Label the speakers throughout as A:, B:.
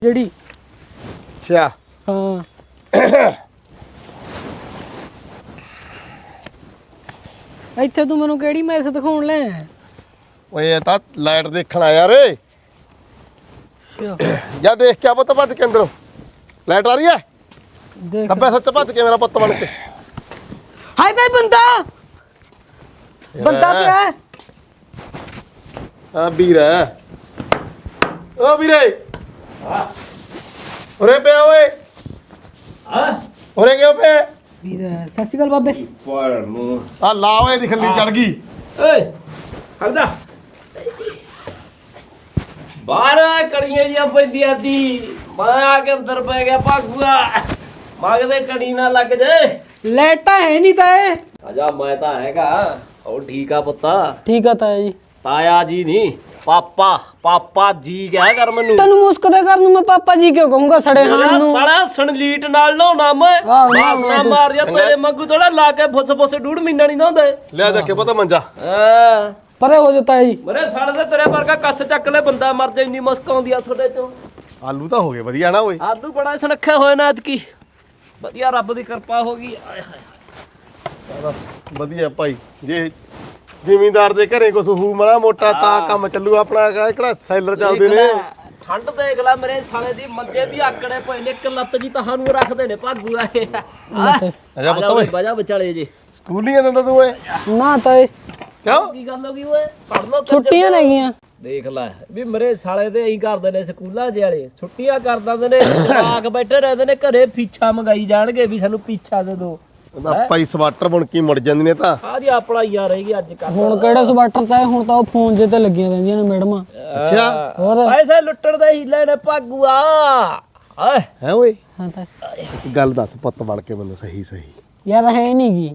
A: ਜਿਹੜੀ
B: ਅੱਛਾ
A: ਹਾਂ ਇੱਥੇ ਤੂੰ ਮੈਨੂੰ ਕਿਹੜੀ ਮੈਸ ਦਿਖਾਉਣ ਲੈ
B: ਓਏ ਇਹ ਤਾਂ ਲਾਈਟ ਦੇਖਣ ਆਇਆ ਰੇ ਜਾ ਦੇਖ ਕੇ ਆ ਪੁੱਤ ਭੱਜ ਕੇ ਅੰਦਰੋਂ ਲਾਈਟ ਆ ਰਹੀ ਹੈ
A: ਦੇਖ
B: ਖੱਬੇ ਸੱਚ ਭੱਜ ਕੇ ਮੇਰਾ ਪੁੱਤ ਬਣ ਕੇ
A: ਹਾਏ ਬਈ ਬੰਦਾ ਪਿਆ ਹੈ।
B: ਆ ਵੀਰਾ ਓ ਵੀਰੇ ਉਰੇ ਪਿਆ ਓਏ
C: ਹਾਂ
B: ਉਰੇ ਕਿਉਂ ਪਿਆ
A: ਵੀਰ ਸਤਿ ਸ਼੍ਰੀ ਅਕਾਲ ਬਾਬੇ
C: ਪਰ ਨੂੰ
B: ਆ ਲਾ ਓਏ ਦੀ ਖੱਲੀ ਚੜ ਗਈ
C: ਓਏ ਹਰਦਾ ਬਾਹਰ ਕੜੀਆਂ ਜੀਆਂ ਪੈਂਦੀਆਂ ਦੀ ਮੈਂ ਆ ਕੇ ਅੰਦਰ ਪੈ ਗਿਆ ਭਾਗੂਆ ਮਗਦੇ ਕੜੀ ਨਾ ਲੱਗ ਜੇ
A: ਲੈਟ ਤਾਂ ਹੈ ਨਹੀਂ ਤਾਂ ਇਹ
C: ਆਜਾ ਮੈਂ ਤਾਂ ਹੈਗਾ ਉਹ ਠੀਕ ਆ ਪੁੱਤਾ
A: ਠੀਕ ਆ ਤਾਇਆ ਜੀ
C: ਤਾਇਆ ਜੀ ਨਹੀਂ ਪਾਪਾ ਜੀ ਕਹਿ ਕਰ ਮੈਨੂੰ
A: ਤੈਨੂੰ ਮੁਸਕਦੇ ਕਰ ਨੂੰ ਮੈਂ ਪਾਪਾ ਜੀ ਕਿਉਂ ਕਹੂੰਗਾ ਸੜੇ ਹਾਂ ਨੂੰ
C: ਸਾਲਾ ਸਣਲੀਟ ਨਾਲ ਨਹਾਉਣਾ ਮੈਂ
A: ਆਹ,
C: ਬਾਸਨਾ ਮਾਰ ਜਾ ਤੇਰੇ ਮੰਗੂ ਥੋੜਾ ਲਾ ਕੇ ਫੁੱਸ ਡੂੜ ਮਹੀਨਾ ਨਹੀਂ ਨਹਾਉਂਦੇ
B: ਲਿਆ ਜਾ ਕੇ ਪੁੱਤ ਮੰਜਾ
C: ਹਾਂ
A: ਪਰੇ ਹੋ ਜਾ ਤਾਇਆ ਜੀ
C: ਮਰੇ ਸਾਲੇ ਦੇ ਤੇਰੇ ਵਰਗਾ ਕੱਸ ਚੱਕ ਲੈ ਬੰਦਾ ਮਰ ਜਾ ਇੰਨੀ ਮੁਸਕ ਆਉਂਦੀ ਆ ਤੁਹਾਡੇ ਚੋਂ
B: ਆਲੂ ਤਾਂ ਹੋ ਗਏ ਵਧੀਆ ਨਾ ਓਏ
C: ਆਲੂ ਬੜਾ ਸੁਨੱਖੇ ਹੋਏ ਨਾ ਐਤਕੀ ਵਧੀਆ ਰੱਬ ਦੀ ਕਿਰਪਾ ਹੋ ਗਈ ਆਏ ਹਾਏ
B: ਵਧੀਆ ਭਾਈ ਜੇ ਜ਼ਿਮੀਂਦਾਰ ਦੇ ਘਰੇ ਕੁਛ ਹੂ ਮਰਾ ਮੋਟਾ ਤਾਂ ਕੰਮ ਚੱਲੂ ਆਪਣਾ ਕਿਹੜਾ ਸੈਲਰ ਚੱਲਦੇ ਨੇ
C: ਠੰਡ ਦੇਖ ਲੈ ਮੇਰੇ ਸਾਲੇ ਦੀ ਮੰਜੇ ਵੀ ਆਕੜੇ ਪਏ ਨੇ ਇੱਕ ਲੱਤ ਜੀ ਤੁਹਾਨੂੰ ਰੱਖਦੇ ਨੇ ਭਾਗੂ ਆ ਇਹ
B: ਅਜਾ ਪੁੱਤ ਓਏ
C: ਵਜਾ ਵਿਚਾਲੇ ਜੀ
B: ਸਕੂਲ ਨਹੀਂ ਜਾਂਦਾ ਤੂੰ ਓਏ
A: ਨਾ ਤਾਏ
B: ਕਿਉਂ
C: ਕੀ ਗੱਲ ਹੋ ਗਈ ਓਏ ਪੜ ਲੋ
A: ਛੁੱਟੀਆਂ ਨਹੀਂਆਂ
C: ਦੇਖ ਲੈ ਵੀ ਮੇਰੇ ਸਾਲੇ ਤੇ ਐਂ ਕਰਦੇ ਨੇ ਸਕੂਲਾਂ ਜੇ ਵਾਲੇ ਛੁੱਟੀਆਂ ਕਰ ਦਿੰਦੇ ਨੇ ਜਵਾਕ ਬੈਠੇ ਰਹਿੰਦੇ ਨੇ ਘਰੇ ਪੀਛਾ ਮੰਗਾਈ ਜਾਣਗੇ ਵੀ ਸਾਨੂੰ ਪੀਛਾ ਦੇ ਦਿਓ
B: ਉਹਦਾ ਭਾਈ ਸਵਾਟਰ ਬਣ ਕੇ ਮੁੜ ਜਾਂਦੇ ਨੇ ਤਾਂ
C: ਆ ਜੀ ਆਪਣਾ ਯਾਰ ਰਹੇਗੀ ਅੱਜ ਕੱਲ
A: ਹੁਣ ਕਿਹੜਾ ਸਵਾਟਰ ਤਾਂ ਹੁਣ ਤਾਂ ਉਹ ਫੋਨ ਜੇ ਤੇ ਲੱਗੀਆਂ ਰਹਿੰਦੀਆਂ ਨੇ ਮੈਡਮਾਂ
B: ਅੱਛਾ
A: ਹੋਰ
C: ਪੈਸੇ ਲੁੱਟਣ ਦੇ ਹੀਲੇ ਨੇ ਭਾਗੂਆ ਆਏ
B: ਹੈ ਓਏ
A: ਹਾਂ ਤਾਂ
B: ਇੱਕ ਗੱਲ ਦੱਸ ਪੁੱਤ ਬਣ ਕੇ ਮੈਨੂੰ ਸਹੀ
A: ਯਾਰ ਹੈ ਨਹੀਂ ਗੀ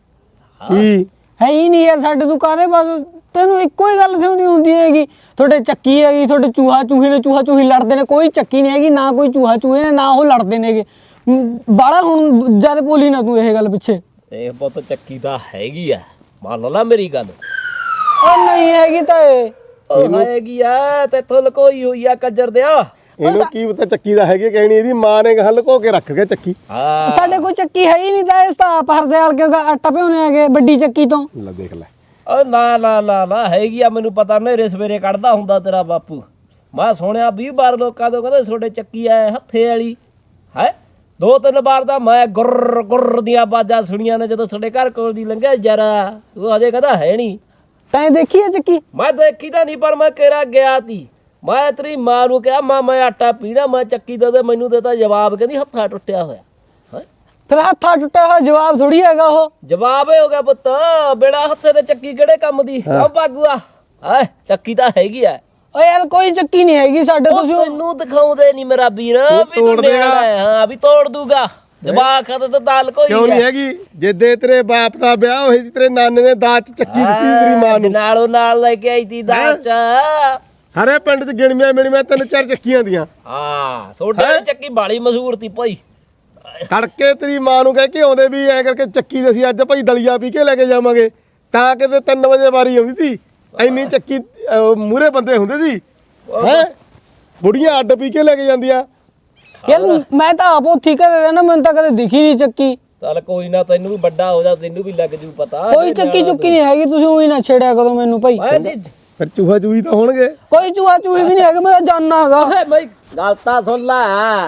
B: ਕੀ
A: ਹੈ ਹੀ ਨਹੀਂ ਯਾਰ ਸਾਡੇ ਦੁਕਾਨੇ ਬਸ ਤੈਨੂੰ ਇੱਕੋ ਹੀ ਗੱਲ ਕਿਉਂ ਹੁੰਦੀ ਹੈਗੀ ਤੁਹਾਡੇ ਚੱਕੀ ਹੈਗੀ ਤੁਹਾਡੇ ਚੂਹਾ ਚੂਹੀ ਨੇ ਚੂਹਾ ਚੂਹੀ ਲੜਦੇ ਨੇ ਕੋਈ ਚੱਕੀ ਨਹੀਂ ਹੈਗੀ ਨਾ ਕੋਈ ਚੂਹਾ ਚੂਹੇ ਨੇ ਨਾ ਉਹ ਲੜਦੇ ਨੇਗੇ ਬਾਲਾ ਹੁਣ ਜਦ ਬੋਲੀ ਨਾ ਤੂੰ ਇਹ ਗੱਲ ਪਿੱਛੇ
C: ਇਹ ਪੁੱਤ ਚੱਕੀ ਤਾਂ ਹੈਗੀ ਆ ਮੰਨ ਲਾ ਮੇਰੀ ਗੱਲ
A: ਉਹ ਨਹੀਂ ਹੈਗੀ ਤਾਂ ਇਹ
C: ਉਹ ਹੈਗੀ ਆ ਤੇ ਤੁਲ ਕੋਈ ਹੋਈ ਆ ਕੱਜਰ ਦਿਆ
B: ਇਹਨੂੰ ਕੀ ਪਤਾ ਚੱਕੀ ਦਾ ਹੈਗੇ ਕਹਿਣੀ ਇਹਦੀ ਮਾਂ ਨੇ ਗੱਲ ਲੁਕੋ ਕੇ ਰੱਖ ਗਿਆ ਚੱਕੀ
C: ਹਾਂ
A: ਸਾਡੇ ਕੋਈ ਚੱਕੀ ਹੈ ਹੀ ਨਹੀਂ ਤਾਂ ਇਸ ਤਾਂ ਆਪ ਹਰਦੇ ਵਾਲ ਕਿਉਂਕਿ ਆਟਾ ਭਿਉਣੇ ਹੈਗੇ ਵੱਡੀ ਚੱਕੀ ਤੋਂ
B: ਲੈ ਦੇਖ ਲੈ
C: ਓ ਨਾ ਹੈਗੀ ਆ ਮੈਨੂੰ ਪਤਾ ਨੇਰੇ ਸਵੇਰੇ ਕੱਢਦਾ ਹੁੰਦਾ ਤੇਰਾ ਬਾਪੂ ਮੈਂ ਸੁਣਿਆ 20 ਵਾਰ ਲੋਕਾਂ ਤੋਂ ਕਹਿੰਦੇ ਤੁਹਾਡੇ ਚੱਕੀ ਐ ਹੱਥੇ ਵਾਲੀ ਹੈ 2-3 ਵਾਰ ਦਾ ਮੈਂ ਗੁਰ ਦੀਆਂ ਆਵਾਜ਼ਾਂ ਸੁਣੀਆਂ ਨੇ ਜਦੋਂ ਤੁਹਾਡੇ ਘਰ ਕੋਲ ਦੀ ਲੰਘਿਆ ਜਰਾ ਉਹ ਅਜੇ ਕਹਿੰਦਾ ਹੈ ਨਹੀਂ
A: ਤੈਂ ਦੇਖੀ ਹੈ ਚੱਕੀ
C: ਮੈਂ ਦੇਖੀ ਤਾਂ ਨਹੀਂ ਪਰ ਮੈਂ ਕਿਹੜਾ ਗਿਆ ਤੀ ਮੈਂ ਤੇਰੀ ਮਾਂ ਨੂੰ ਕਿਹਾ ਮਾਂ ਮੈਂ ਆਟਾ ਪੀਣਾ ਮੈਂ ਚੱਕੀ ਦੇ ਮੈਨੂੰ ਦੇਤਾ ਜਵਾਬ ਕਹਿੰਦੀ ਹੱਥਾਂ ਟੁੱਟਿਆ ਹੋਇਆ
A: ਫਿਰ ਹੱਥਾਂ ਟੁੱਟਿਆ ਹੋਇਆ ਜਵਾਬ ਥੋੜੀ ਹੈਗਾ ਉਹ
C: ਜਵਾਬ ਹੀ ਹੋ ਗਿਆ ਪੁੱਤ ਬੇੜਾ ਹੱਥੇ ਤੇ ਚੱਕੀ ਕਿਹੜੇ ਕੰਮ ਦੀ ਆ ਭਾਗੂਆ ਹੈ ਚੱਕੀ ਤਾਂ ਹੈਗੀ ਆ
A: ਓ ਯਾਰ ਕੋਈ ਚੱਕੀ ਨਹੀਂ ਹੈਗੀ ਸਾਡੇ ਤੁਸੀਂ
C: ਤੈਨੂੰ ਦਿਖਾਉਂਦੇ ਨਹੀਂ ਮੇਰਾ ਵੀਰ ਵੀ ਤੂੰ ਨਿਆਣਾ ਹੈ ਹਾਂ ਵੀ ਤੋੜ ਦੂਗਾ ਜਵਾਕ ਤਾਂ ਦਾਲ ਕੋਈ
B: ਕਿਉਂ ਨਹੀਂ ਹੈਗੀ ਜਿੱਦੇ ਤੇਰੇ ਬਾਪ ਦਾ ਵਿਆਹ ਹੋਇਆ ਸੀ ਤੇਰੇ ਨਾਨੇ ਨੇ ਦਾਜ ਚ ਚੱਕੀ ਦਿੱਤੀ ਤੇਰੀ ਮਾਂ ਨੂੰ
C: ਨਾਲੋਂ ਨਾਲ ਲੈ ਕੇ ਆਈ ਤੀ ਦਾਲ ਚ
B: ਸਾਰੇ ਪਿੰਡ ਚ ਗਿਣਵੀਆਂ ਮਿਣਵੀਆਂ 3-4 ਚੱਕੀਆਂ ਦੀਆਂ
C: ਹਾਂ ਸੋਡੇ ਦੀ ਚੱਕੀ ਬਾਲੀ ਮਸ਼ਹੂਰ ਤੀ ਭਾਈ
B: ਤੜਕੇ ਤੇਰੀ ਮਾਂ ਨੂੰ ਕਹਿ ਕੇ ਆਉਂਦੇ ਵੀ ਐ ਕਰਕੇ ਚੱਕੀ ਦੇ ਅਸੀਂ ਅੱਜ ਭਾਈ ਦਲੀਆ ਪੀ ਕੇ ਲੈ ਕੇ ਜਾਵਾਂਗੇ ਤਾਂ ਕਿਤੇ 3 ਵਜੇ ਵਾਰੀ ਆਉਂਦੀ ਸੀ ਇੰਨੀ ਚੱਕੀ ਮੂਰੇ ਬੰਦੇ ਹੁੰਦੇ ਸੀ ਹੈ ਬੁੜੀਆਂ ਅੱਡ ਪੀ ਕੇ ਲੈ ਕੇ ਜਾਂਦੀਆਂ
A: ਯਾਰ ਮੈਂ ਤਾਂ ਆਪ ਉੱਥੀ ਘਰੇ ਰਹਿਣਾ ਮੈਨੂੰ ਤਾਂ ਕਦੇ ਦਿਖੀ ਨਹੀਂ ਚੱਕੀ
C: ਚੱਲ ਕੋਈ ਨਾ ਤੈਨੂੰ ਵੀ ਵੱਡਾ ਹੋ ਜਾ ਤੈਨੂੰ ਵੀ ਲੱਗ ਜੂ ਪਤਾ
A: ਕੋਈ ਚੱਕੀ ਚੁੱਕੀ ਨਹੀਂ ਹੈਗੀ ਤੁਸੀਂ ਉਹੀ ਨਾ ਛੇੜਿਆ ਕਰੋ ਮੈਨੂੰ ਭਾਈ
B: ਫਿਰ ਚੂਹਾ ਚੂਹੀ ਤਾਂ ਹੋਣਗੇ
A: ਕੋਈ ਚੂਹਾ ਚੂਹੀ ਵੀ ਨਹੀਂ ਹੈਗਾ ਮੈਂ ਤਾਂ ਜਾਣਨਾ ਹੈਗਾ
C: ਓਏ ਬਈ ਗੱਲ ਤਾਂ ਸੁਣ ਲੈ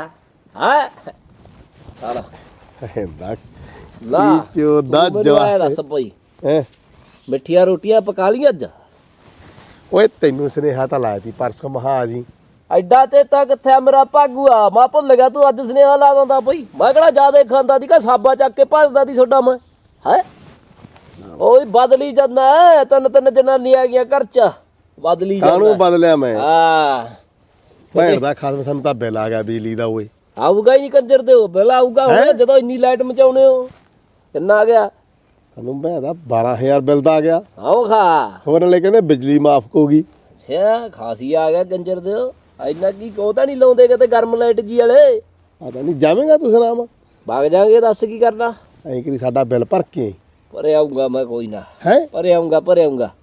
C: ਹੈ ਸਾਲਾ
B: ਹੈਂਦਾ
C: ਲਾ
B: ਚੋ ਦਾ
C: ਜਵਾ ਦੱਸ ਭਾਈ
B: ਹੈ
C: ਮਿੱਠੀਆਂ ਰੋਟੀਆਂ ਪਕਾ ਲਈਆਂ ਅੱਜ
B: ਓਏ ਤੈਨੂੰ ਸੁਨੇਹਾ ਤਾਂ ਲਾਇਆ ਸੀ ਪਰਸੋਂ ਮਹਾ ਜੀ
C: ਐਡਾ ਚੇਤਾ ਕਿੱਥੇ ਆ ਮੇਰਾ ਭਾਗੂਆ ਮੈਂ ਭੁੱਲ ਗਿਆ ਤੂੰ ਅੱਜ ਸੁਨੇਹਾ ਲਾ ਦਿੰਦਾ ਬਈ ਮੈਂ ਕਿਹੜਾ ਜਿਆਦਾ ਖਾਂਦਾ ਦੀ ਕਾ ਸਾਬਾ ਚੱਕ ਕੇ ਭੱਜਦਾ ਦੀ ਛੋਡਾ ਮੈਂ ਹੈ ਓਏ ਬਦਲੀ ਜਾਂਦਾ ਤਿੰਨ ਜਨਾਨੀਆਂ ਆ ਗਈਆਂ ਘਰ ਚ ਬਦਲੀ ਜਾਂਦਾ
B: ਕਾਹਨੂੰ ਬਦਲਿਆ ਮੈਂ
C: ਹਾਂ
B: ਭੈਣ ਦਾ ਖਾਸ ਸਾਨੂੰ ਤਾਂ ਬਿੱਲ ਆ ਗਿਆ ਬਿਜਲੀ ਦਾ ਓਏ
C: ਆਊਗਾ ਹੀ ਨਹੀਂ ਕੰਜਰ ਦੇ ਬਿੱਲ ਆਊਗਾ ਹੁਣ ਜਦੋਂ ਇੰਨੀ ਲਾਈਟ ਮਚਾਉਨੇ ਹੋ ਕਿੰਨਾ ਆ ਗਿਆ
B: ਸਾਨੂੰ ਭੈਣ ਦਾ 12000 ਬਿੱਲ ਦਾ ਆ ਗਿਆ
C: ਆਓ ਖਾ
B: ਹੋਰ ਨਾਲੇ ਕਹਿੰਦੇ ਬਿਜਲੀ ਮਾਫ ਹੋਊਗੀ
C: ਅੱਛਾ ਖਾਸੀ ਆ ਗਿਆ ਕੰਜਰ ਦੇ ਇੰਨਾ ਕੀ ਕੋ ਤਾਂ ਨਹੀਂ ਲਾਉਂਦੇ ਕਿਤੇ ਗਰਮ ਲਾਈਟ ਜੀ ਵਾਲੇ
B: ਆਦਾ ਨਹੀਂ ਜਾਵੇਂਗਾ ਤੂੰ ਸੁਨਾਮ
C: ਵਗ ਜਾਾਂਗੇ ਦੱਸ ਕੀ ਕਰਨਾ
B: ਐਂ ਕਰੀ ਸਾਡਾ ਬਿੱਲ ਭਰ ਕੇ
C: ਭਰੇ ਆਊਂਗਾ ਮੈਂ ਕੋਈ ਨਾ
B: ਹੈ
C: ਭਰੇ ਆਊਂਗਾ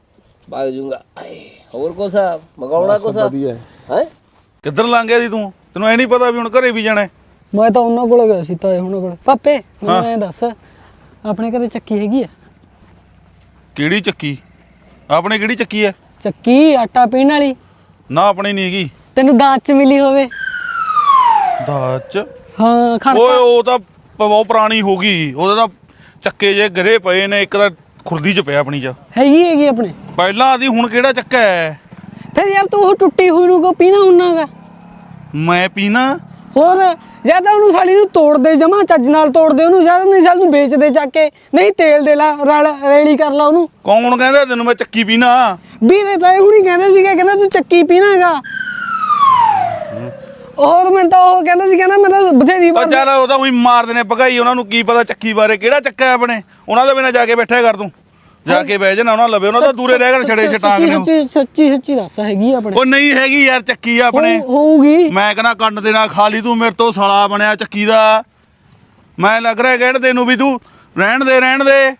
C: ਵਗ ਜੂੰਗਾ ਹੋਰ ਕੁਛ ਮੰਗਾਉਣਾ ਕੁਛ
B: ਵਧੀਆ
C: ਹੈ
D: ਕਿੱਧਰ ਲੰਘ ਗਿਆ ਸੀ ਤੂੰ ਤੈਨੂੰ ਐ ਨਹੀਂ ਪਤਾ ਵੀ ਹੁਣ ਘਰੇ ਵੀ ਜਾਣਾ ਹੈ?
A: ਮੈਂ ਤਾਂ ਉਹਨਾਂ ਕੋਲ ਗਿਆ ਸੀ ਤਾਏ ਉਹਨਾਂ ਕੋਲ। ਪਾਪੇ ਮੈਨੂੰ ਐਂ ਦੱਸ, ਆਪਣੇ ਘਰੇ ਚੱਕੀ ਹੈਗੀ ਆ?
D: ਕਿਹੜੀ ਚੱਕੀ? ਆਪਣੇ ਕਿਹੜੀ ਚੱਕੀ ਐ?
A: ਚੱਕੀ ਆਟਾ ਪੀਣ ਵਾਲੀ।
D: ਨਾ ਆਪਣੇ ਨਹੀਂ ਹੈਗੀ।
A: ਤੈਨੂੰ ਦਾਜ ਚ ਮਿਲੀ ਹੋਵੇ?
D: ਦਾਜ ਚ?
A: ਹਾਂ ਖੜਤਾ।
D: ਓਏ ਉਹ ਤਾਂ ਬਹੁਤ ਪੁਰਾਣੀ ਹੋ ਗਈ, ਉਹਦੇ ਤਾਂ ਚੱਕੇ ਜੇ ਗਰੇ ਪਏ ਨੇ, ਇੱਕ ਤਾਂ ਖੁਰਦੀ ਚ ਪਿਆ ਆਪਣੀ ਚ।
A: ਹੈਗੀ ਆਪਣੇ
D: ਪਹਿਲਾਂ ਆਦੀ, ਹੁਣ ਕਿਹੜਾ ਚੱਕਾ ਹੈ?
A: ਫਿਰ ਯਾਰ ਤੂੰ ਉਹ ਟੁੱਟੀ ਹੋਈ ਨੂੰ ਕੋ ਪੀਣਾ ਹੁੰਨਾਗਾ?
D: ਮੈਂ ਪੀਣਾ?
A: ਹੋਰ ਜਿਆਦਾ ਉਹਨੂੰ ਸਾਲੀ ਨੂੰ ਤੋੜ ਦੇ, ਜਮਾ ਚੱਜ ਨਾਲ ਤੋੜ ਦੇ ਉਹਨੂੰ, ਜਿਆਦਾ ਨਹੀਂ ਸਾਲ ਨੂੰ ਵੇਚ ਦੇ ਚੱਕ ਕੇ, ਨਹੀਂ ਤੇਲ ਦੇ ਲਾ, ਰੇੜੀ ਕਰ ਲਾ ਉਹਨੂੰ।
D: ਕੌਣ ਕਹਿੰਦਾ ਤੈਨੂੰ ਮੈਂ ਚੱਕੀ ਪੀਣਾ?
A: ਵੀਰੇ ਤਾਏ ਹੁਣੀ ਕਹਿੰਦੇ ਸੀਗੇ, ਕਹਿੰਦਾ ਤੂੰ ਚੱਕੀ ਪੀਣਾਗਾ। ਹੋਰ ਮੈਂ ਤਾਂ ਉਹ ਕਹਿੰਦਾ ਸੀ, ਕਹਿੰਦਾ ਮੈਂ ਤਾਂ ਬਥੇਰੀ ਵਾਰ।
D: ਚੱਲ ਉਹ ਤਾਂ ਉਹੀ ਮਾਰਦੇ ਨੇ ਭਗਾਈ, ਉਹਨਾਂ ਨੂੰ ਕੀ ਪਤਾ ਚੱਕੀ ਬਾਰੇ, ਕਿਹੜਾ ਚੱਕਾ ਹੈ ਆਪਣੇ? ਉਹਨਾਂ ਦੇ ਬਿਨਾਂ ਜਾ ਕੇ ਬੈਠਿਆ ਕਰ ਤੂੰ, ਜਾ ਕੇ ਬਹਿ ਜਾਣਾ ਉਹਨਾਂ ਲਵੇ, ਉਹਨਾਂ ਦਾ ਦੂਰੇ ਰਹਿ ਕੇ ਛੜੇ ਛਟਾਂਗ ਨੇ।
A: ਸੱਚੀ ਦੱਸ ਹੈਗੀ ਆਪਣੇ?
D: ਉਹ ਨਹੀਂ ਹੈਗੀ ਯਾਰ ਚੱਕੀ ਆਪਣੇ।
A: ਹੋਊਗੀ।
D: ਮੈਂ ਕਹਿੰਦਾ ਕੰਨ ਦੇ ਨਾਲ ਖਾ ਲਈ ਤੂੰ, ਮੇਰੇ ਤੋਂ ਸਾਲਾ ਬਣਿਆ ਚੱਕੀ ਦਾ। ਮੈਂ ਲੱਗ ਰਿਹਾ ਕਹਿਣ ਤੈਨੂੰ ਵੀ ਤੂੰ ਰਹਿਣ ਦੇ